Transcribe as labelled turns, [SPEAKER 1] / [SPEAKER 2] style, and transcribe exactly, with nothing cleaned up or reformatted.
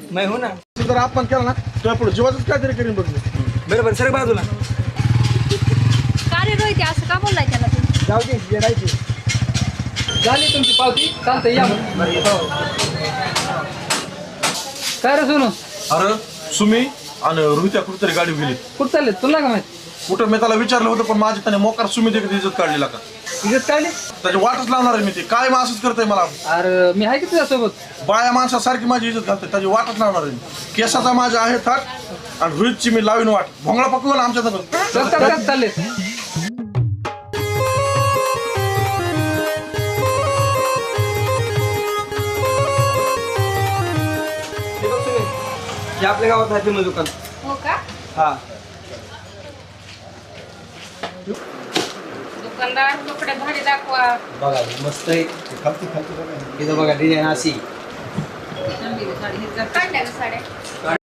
[SPEAKER 1] मैं हूं ना.
[SPEAKER 2] जर आपण केला ना तर पुढे जीवाचंच काहीतरी करीन बघ मी.
[SPEAKER 1] बरोबर सर बाजूला.
[SPEAKER 3] का रे रोहित असं का बोललाय त्याला तू?
[SPEAKER 1] जाऊ दे येडायची. झाली तुमची पावती चालतंय या मग. काय रे सोनू?
[SPEAKER 2] अरे सुमी आणि रोहित्या कुठेतरी गाडी गेली.
[SPEAKER 1] कुठं चालले तुला का माहिती?
[SPEAKER 2] कुठं मी त्याला विचारलं होतं पण माझी त्याने मोकार सुमी देखील इज्जत काढलेला का
[SPEAKER 1] इज्जत काढली?
[SPEAKER 2] त्याची वाटच लावणार आहे मी ते काय मग असंच करतंय मला.
[SPEAKER 1] अरे मी आहे की तुझ्यासोबत.
[SPEAKER 2] बाया माणसासारखी माझी इज्जत घालते त्याची वाटच लावणार आहे मी. केसाचा माझा आहे थाट आणि रोहितची मी लावीन वाट भोंगळा पकवू ना आमच्या
[SPEAKER 1] चल चल चल चालले. हे आपल्या गावात आहे फेमस दुकान.
[SPEAKER 3] हो का?
[SPEAKER 1] हा.
[SPEAKER 3] दुकानदार कपडे भारी दाखवा.
[SPEAKER 1] बघा मस्त आहे. इथं बघा डिझाईन अशी.
[SPEAKER 3] काढल्या का साड्या?